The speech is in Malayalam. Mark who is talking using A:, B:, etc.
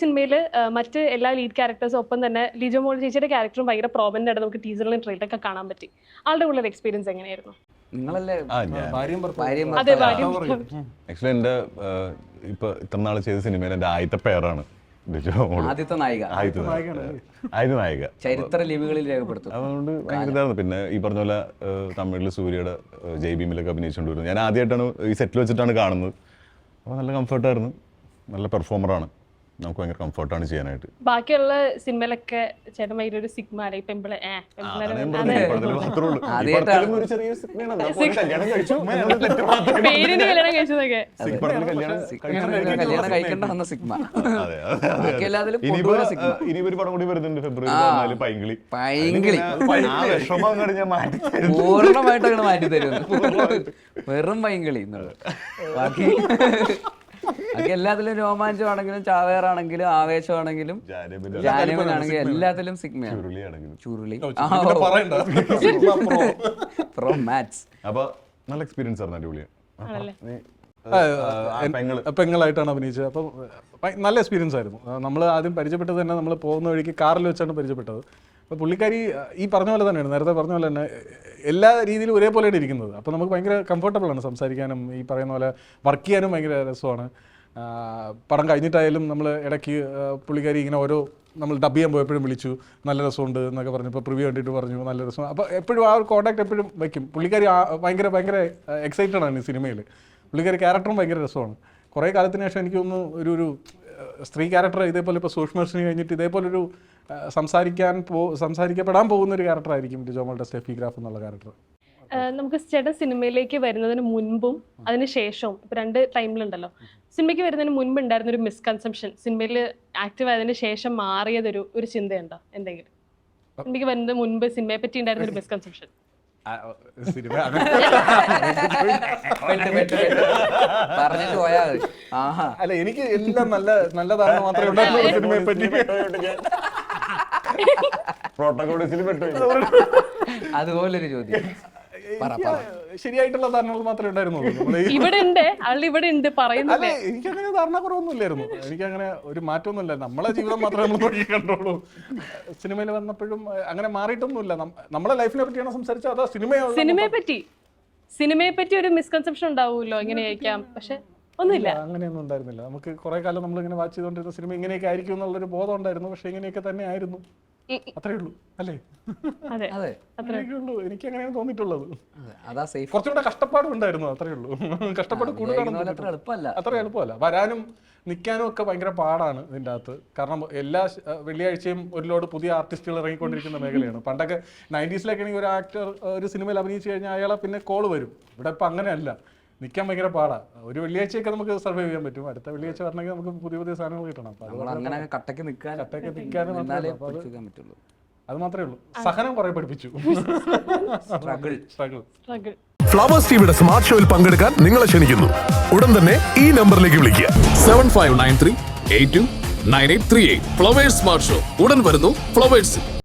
A: സിനിമയിൽ മറ്റ് എല്ലാ ലീഡ് ക്യാരക്ടേഴ്സും ഒപ്പം തന്നെ ലിജോ മോൾ ചേച്ചിയുടെ ക്യാരക്ടറും ഭയങ്കര പ്രോമന്റ് ആയിട്ട് നമുക്ക് ടീസറിലും ട്രെയിലൊക്കെ കാണാൻ പറ്റി. ആളുടെ ഉള്ള എക്സ്പീരിയൻസ് എങ്ങനെയായിരുന്നു?
B: ആക്ച്വലി എൻ്റെ ഇപ്പൊ ഇത്ര നാൾ ചെയ്ത സിനിമയിൽ എൻ്റെ ആദ്യത്തെ പേരാണ്
C: ആദ്യത്തെ നായിക, ചരിത്ര ലിപികളിൽ രേഖപ്പെടുത്തും.
B: അതുകൊണ്ട് ഭയങ്കര ഇതായിരുന്നു. പിന്നെ ഈ പറഞ്ഞ പോലെ തമിഴിൽ സൂര്യയുടെ ജയ് ഭീമിലൊക്കെ അഭിനയിച്ചുകൊണ്ട് വരുന്നത് ഞാൻ ആദ്യമായിട്ടാണ് ഈ സെറ്റിൽ വെച്ചിട്ടാണ് കാണുന്നത്. അപ്പോൾ നല്ല കംഫർട്ടായിരുന്നു, നല്ല പെർഫോമറാണ്, നമുക്ക് ഭയങ്കര കംഫർട്ടാണ് ചെയ്യാനായിട്ട്.
A: ബാക്കിയുള്ള സിനിമയിലൊക്കെ ചേട്ടൻ ഭയങ്കര ഒരു സിഗ്മ പെമ്പിളെ പേരിന് കല്യാണം കഴിച്ചതൊക്കെ
B: ഇനി ഒരു പടം കൂടി വരുന്നുണ്ട് ഫെബ്രുവരി 4 പൈങ്കിളി.
C: പൂർണ്ണമായിട്ടാണ് മാറ്റി തരുന്നത്, വെറും പൈങ്കിളി. ബാക്കി എല്ലാത്തിലും രോമാഞ്ചമാണെങ്കിലും ചാവേറാണെങ്കിലും ആവേശമാണെങ്കിലും ജാനവനാണെങ്കിലും എല്ലാത്തിലും സിഗ്മയാണ്. Churuli from maths.
B: അപ്പൊ നല്ല എക്സ്പീരിയൻസ് ആയിരുന്നു, അടിപൊളിയാണ്.
D: പെങ്ങളായിട്ടാണ് അഭിനയിച്ചത്. അപ്പം നല്ല എക്സ്പീരിയൻസ് ആയിരുന്നു. നമ്മൾ ആദ്യം പരിചയപ്പെട്ടത് തന്നെ നമ്മൾ പോകുന്ന വഴിക്ക് കാറിൽ വെച്ചാണ് പരിചയപ്പെട്ടത്. അപ്പോൾ പുള്ളിക്കാരി ഈ പറഞ്ഞ പോലെ തന്നെയാണ്, നേരത്തെ പറഞ്ഞ പോലെ തന്നെ എല്ലാ രീതിയിലും ഒരേപോലെയാണ് ഇരിക്കുന്നത്. അപ്പോൾ നമുക്ക് ഭയങ്കര കംഫർട്ടബിളാണ് സംസാരിക്കാനും ഈ പറയുന്ന പോലെ വർക്ക് ചെയ്യാനും ഭയങ്കര രസമാണ്. പടം കഴിഞ്ഞിട്ടായാലും നമ്മൾ ഇടയ്ക്ക് പുള്ളിക്കാരി ഇങ്ങനെ ഓരോ നമ്മൾ ഡബ് ചെയ്യാൻ പോയപ്പോഴും വിളിച്ചു, നല്ല രസമുണ്ട് എന്നൊക്കെ പറഞ്ഞു. ഇപ്പോൾ പ്രിവ്യൂ കണ്ടിട്ട് പറഞ്ഞു നല്ല രസം. അപ്പോൾ എപ്പോഴും ആ ഒരു കോൺടാക്ട് എപ്പോഴും വയ്ക്കും. പുള്ളിക്കാരി ഭയങ്കര എക്സൈറ്റഡ് ആണ് ഈ സിനിമയിൽ. പുള്ളിക്കാരി ക്യാരക്ടറും ഭയങ്കര രസമാണ്. കുറേ കാലത്തിന് ശേഷം എനിക്ക് തോന്നുന്നു ഒരു സ്ത്രീ ക്യാരക്ടർ ഇതേപോലെ ഇപ്പോൾ സൂക്ഷ്മദർശിനി കഴിഞ്ഞിട്ട് ഇതേപോലൊരു സംസാരിക്കപ്പെടാൻ പോകുന്ന ഒരു ക്യാരക്ടറായിരിക്കും ലിജോ മോളുടെ സ്റ്റെഫി ഗ്രാഫ് എന്നുള്ള ക്യാരക്ടർ.
A: നമുക്ക് ചേട്ടൻ സിനിമയിലേക്ക് വരുന്നതിന് മുൻപും അതിന് ശേഷവും ഇപ്പൊ 2 ടൈമിലുണ്ടല്ലോ. സിനിമയ്ക്ക് വരുന്നതിന് മുൻപ് ഉണ്ടായിരുന്ന ഒരു മിസ്കൺസെപ്ഷൻ സിനിമയിൽ ആക്റ്റീവ് ആയതിനു ശേഷം മാറിയതൊരു ചിന്തയുണ്ടോ എന്തെങ്കിലും? സിനിമയ്ക്ക് വരുന്നതിന് മുൻപ് സിനിമയെ പറ്റി ഉണ്ടായിരുന്ന ഒരു മിസ്കൺസെപ്ഷൻ?
D: അല്ല, എനിക്ക് എല്ലാം നല്ല ധാരണ മാത്രമേ ഉണ്ടായിരുന്നുള്ളൂ സിനിമയെ പറ്റി.
C: അതുപോലൊരു ചോദ്യം,
D: ശരിയായിട്ടുള്ള ധാരണകൾ മാത്രമേ ഉണ്ടായിരുന്നുള്ളൂ. അല്ല, എനിക്കങ്ങനെ ധാരണക്കുറവൊന്നുമില്ലായിരുന്നു. എനിക്കങ്ങനെ ഒരു മാറ്റമൊന്നുമില്ല. നമ്മളെ ജീവിതം മാത്രമേ നമ്മൾ നോക്കി കണ്ടോളൂ. സിനിമയിൽ വന്നപ്പോഴും അങ്ങനെ മാറിയിട്ടൊന്നുമില്ല. നമ്മളെ ലൈഫിനെ പറ്റിയാണ് സംസാരിച്ചത്. അതാ
A: സിനിമയെ പറ്റി ഒരു മിസ്കൺസെപ്ഷൻ ഉണ്ടാവുമല്ലോ, എങ്ങനെയായിരിക്കാം, പക്ഷെ ഒന്നുമില്ല,
D: അങ്ങനെയൊന്നും ഉണ്ടായിരുന്നില്ല. നമുക്ക് കുറെ കാലം നമ്മളിങ്ങനെ വാച്ച് ചെയ്തുകൊണ്ടിരുന്ന സിനിമ ഇങ്ങനെയൊക്കെ ആയിരിക്കും എന്നുള്ളൊരു ബോധം ഉണ്ടായിരുന്നു. പക്ഷെ ഇങ്ങനെയൊക്കെ തന്നെ ആയിരുന്നു, അത്രേ ഉള്ളൂ. അല്ലേ? അത്രയൊക്കെ ഉള്ളൂ. എനിക്ക് അങ്ങനെയാണ് തോന്നിയിട്ടുള്ളത്. കുറച്ചുകൂടെ കഷ്ടപ്പാടും ഉണ്ടായിരുന്നു, അത്രേ ഉള്ളൂ. കഷ്ടപ്പാട് കൂടുതലാണ്, അത്ര എളുപ്പമല്ല. വരാനും നിൽക്കാനും ഒക്കെ ഭയങ്കര പാടാണ് ഇതിൻ്റെ അകത്ത്. കാരണം എല്ലാ വെള്ളിയാഴ്ചയും ഒരു ലോഡ് പുതിയ ആർട്ടിസ്റ്റുകൾ ഇറങ്ങിക്കൊണ്ടിരിക്കുന്ന മേഖലയാണ്. പണ്ടൊക്കെ 90s ഒരു ആക്ടർ ഒരു സിനിമയിൽ അഭിനയിച്ചു കഴിഞ്ഞാൽ അയാളെ പിന്നെ കോള് വരും. ഇവിടെ ഇപ്പം അങ്ങനെയല്ല, നിൽക്കാൻ ഭയങ്കര പാടാണ്. ഒരു വെള്ളിയാഴ്ചയൊക്കെ നമുക്ക് സർവൈവ് ചെയ്യാൻ പറ്റും. അടുത്ത വെള്ളിയാഴ്ച വരണമെങ്കിൽ നമുക്ക് പുതിയ സാധനങ്ങൾ കിട്ടണം.
C: കട്ടക്ക് നിൽക്കാൻ
D: അത് മാത്രമേ ഉള്ളൂ. സഹനം കുറെ പഠിപ്പിച്ചു.
E: ഫ്ലവേഴ്സ് ടിവിയുടെ സ്മാർട്ട് ഷോയിൽ പങ്കെടുക്കാൻ നിങ്ങളെ ക്ഷണിക്കുന്നു. ഉടൻ തന്നെ ഈ നമ്പറിലേക്ക് വിളിക്കുക.
F: 7593829838. ഫ്ലവേഴ്സ് സ്മാർട്ട് ഷോ ഉടൻ വരുന്നു ഫ്ലവേഴ്സ്.